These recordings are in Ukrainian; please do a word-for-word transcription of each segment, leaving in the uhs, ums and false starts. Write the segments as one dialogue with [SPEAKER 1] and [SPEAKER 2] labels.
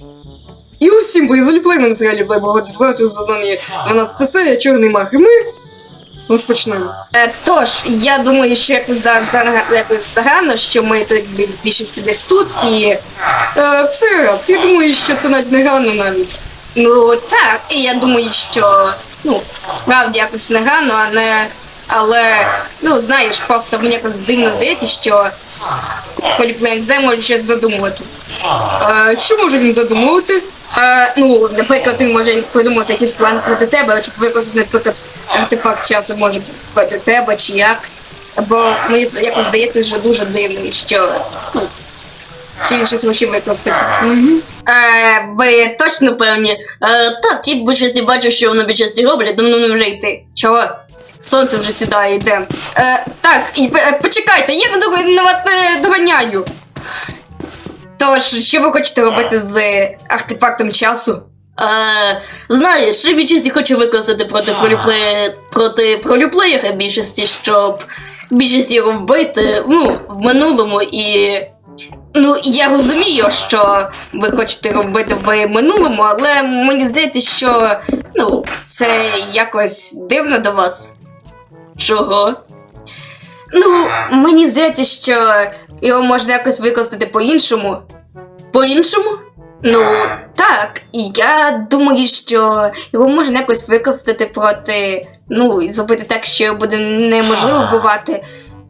[SPEAKER 1] І усім призволіплей, мене серіалі Плейбога четвертого сезоні дванадцята серія «Чорний мах», і ми розпочнемо. Е, тож, я думаю, що якось, за, за, якось загально, що ми тут в більшості десь тут, і е, все раз. Я думаю, що це навіть не гано навіть. Ну, так, і я думаю, що, ну, справді якось не гано, а не... Але, ну, знаєш, просто мені якось дивно здається, що Поліплей може щось задумувати. Е, що може він задумувати? Е, ну, наприклад, він може придумати якийсь план проти тебе, щоб використати, наприклад, артефакт часу може проти тебе, чи як. Бо мені якось здається, що дуже дивним, що, ну, що він щось хоче використати. Угу. Е, ви точно певні? Е, так, я в більшості бачу, що воно більшості роблять, тому не вже йти. Чого? Сонце вже сідає, йде. Е, так, і, е, почекайте, я на вас не доганяю. Тож, що ви хочете робити з артефактом часу?
[SPEAKER 2] Е, знаєш, я більшості хочу використати проти пролюплея, проти пролюплеєра більшості, щоб більшості його вбити, ну, в минулому і...
[SPEAKER 1] Ну, я розумію, що ви хочете робити в минулому, але мені здається, що, ну, це якось дивно до вас.
[SPEAKER 2] Чого?
[SPEAKER 1] Ну, мені здається, що його можна якось використати по-іншому.
[SPEAKER 2] По-іншому?
[SPEAKER 1] Ну, так, і я думаю, що його можна якось використати проти, ну, і зробити так, що його буде неможливо вбивати.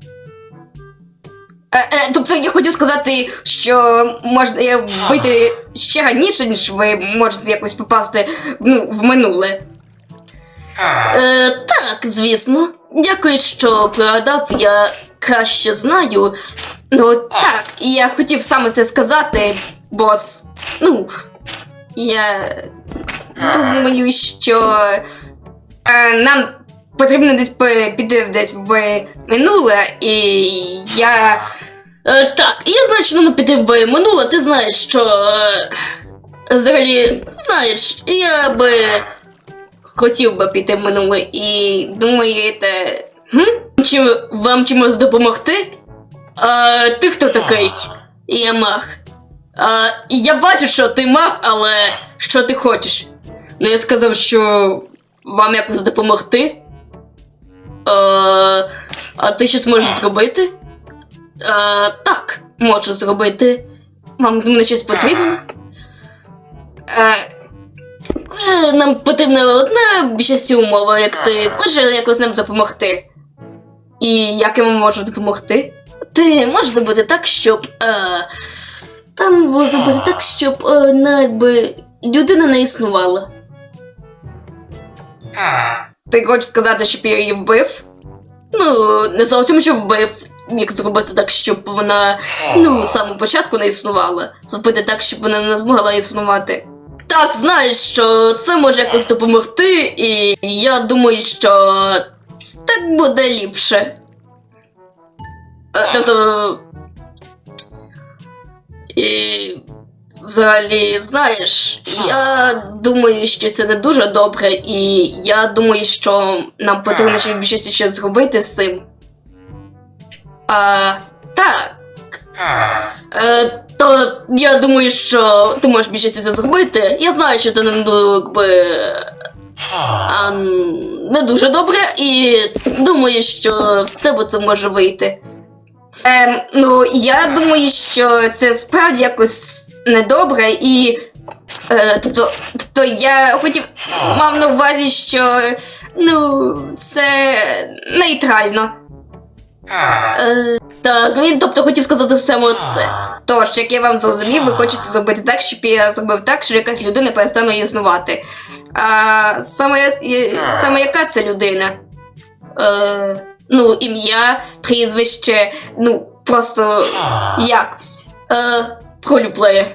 [SPEAKER 1] Е, е, тобто я хотів сказати, що можна вбити ще раніше, ніж ви можете якось попасти, ну, в минуле.
[SPEAKER 2] Е, так, звісно. Дякую, що пригадав, я краще знаю.
[SPEAKER 1] Ну, так, і я хотів саме це сказати, бос. Ну, я думаю, що е, нам потрібно десь піти десь в минуле, і я...
[SPEAKER 2] Е, так, я знаю, що нам піти в минуле, ти знаєш, що... Е, взагалі, знаєш, я би хотів би піти в минуле, і думаєте... Хм? Чи вам чимось допомогти? А, ти хто такий? Я маг. А, я бачу, що ти маг, але що ти хочеш? Ну, я сказав, що вам якось допомогти. А, а ти щось можеш зробити? А, так, можу зробити. Вам до мене щось потрібно? А, нам потрібна одна більшість умова, як ти можеш якось нам допомогти. І як я вам можу допомогти? Ти можеш зробити так, щоб... Е, там зробити так, щоб е, найби, людина не існувала.
[SPEAKER 1] Ти хочеш сказати, щоб я її вбив?
[SPEAKER 2] Ну, не зовсім, що вбив. Як зробити так, щоб вона, ну, з самого початку не існувала. Зробити так, щоб вона не змогла існувати. Так, знаєш, що це може якось допомогти, і я думаю, що так буде ліпше. Тобто... І... Взагалі, знаєш, я думаю, що це не дуже добре, і я думаю, що нам потрібно ще більше щось зробити з цим. А, так. Е, то я думаю, що ти можеш більше це зробити. Я знаю, що ти не, якби, а, не дуже добре, і думаю, що в тебе це може вийти.
[SPEAKER 1] Ем, ну, я думаю, що це справді якось недобре, і... Е, тобто, тобто я хотів... мав на увазі, що... ну, це... нейтрально.
[SPEAKER 2] Е, так, він, тобто, хотів сказати саме це.
[SPEAKER 1] Тож, як я вам зрозумів, ви хочете зробити так, щоб я зробив так, що якась людина перестане існувати. А саме, саме яка це людина?
[SPEAKER 2] Е...
[SPEAKER 1] Ну, ім'я, прізвище, ну, просто якось.
[SPEAKER 2] Е, пролюплеє.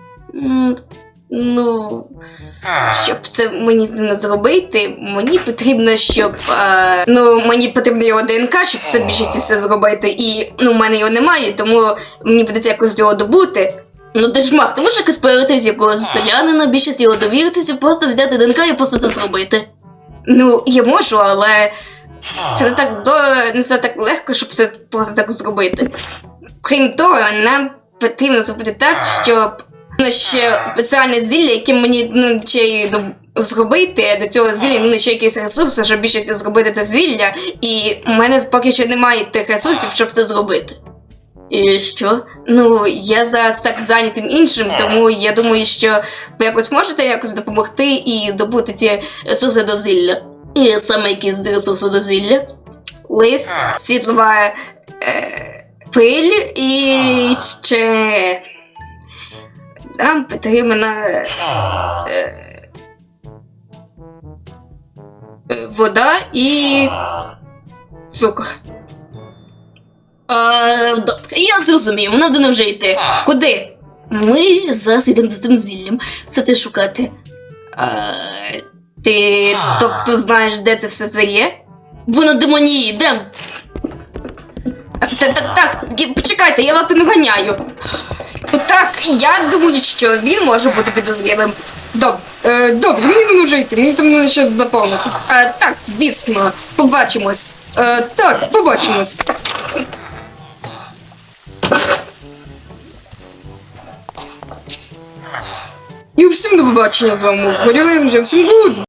[SPEAKER 1] Ну, щоб це мені не зробити, мені потрібно, щоб, е, ну, мені потрібно його ДНК, щоб це більшості все зробити, і, ну, в мене його немає, тому мені придеться якось його добути.
[SPEAKER 2] Ну ти ж маг, ти можеш якось появитися якогось селянина, більшість його довіритися, просто взяти ДНК і просто це зробити.
[SPEAKER 1] Ну, я можу, але... Це не так до не все так легко, щоб це просто так зробити. Крім того, нам потрібно зробити так, щоб Ну, ще спеціальне зілля, яке мені ну, ще й до- зробити. До цього зілля ну, ще якісь ресурси, щоб більше це зробити це зілля. І в мене поки що немає тих ресурсів, щоб це зробити.
[SPEAKER 2] І що?
[SPEAKER 1] Ну, я зараз так зайнятим іншим, тому я думаю, що ви якось можете якось допомогти і добути ці
[SPEAKER 2] Ресурси до зілля. І саме якісь ресурси до зілля.
[SPEAKER 1] лист, світлова е, пиль і ще нам потрібна е, е, вода і цукор.
[SPEAKER 2] А, добре, я зрозумів, нам до вже йти.
[SPEAKER 1] Куди?
[SPEAKER 2] Ми зараз йдемо за тим зіллям. Це ти шукати.
[SPEAKER 1] А, ти тобто знаєш, де це все це є?
[SPEAKER 2] Воно демонії, йдем.
[SPEAKER 1] Так, так, так, гі- почекайте, я вас не ганяю. Так, я думаю, що він може бути підозрілим. Добре, е, добре, мені не вже йти, мені там треба щось заповнити. Е, так, звісно, побачимось. Е, так, побачимось. І всім до побачення з вами. Горілим вже всім гуд!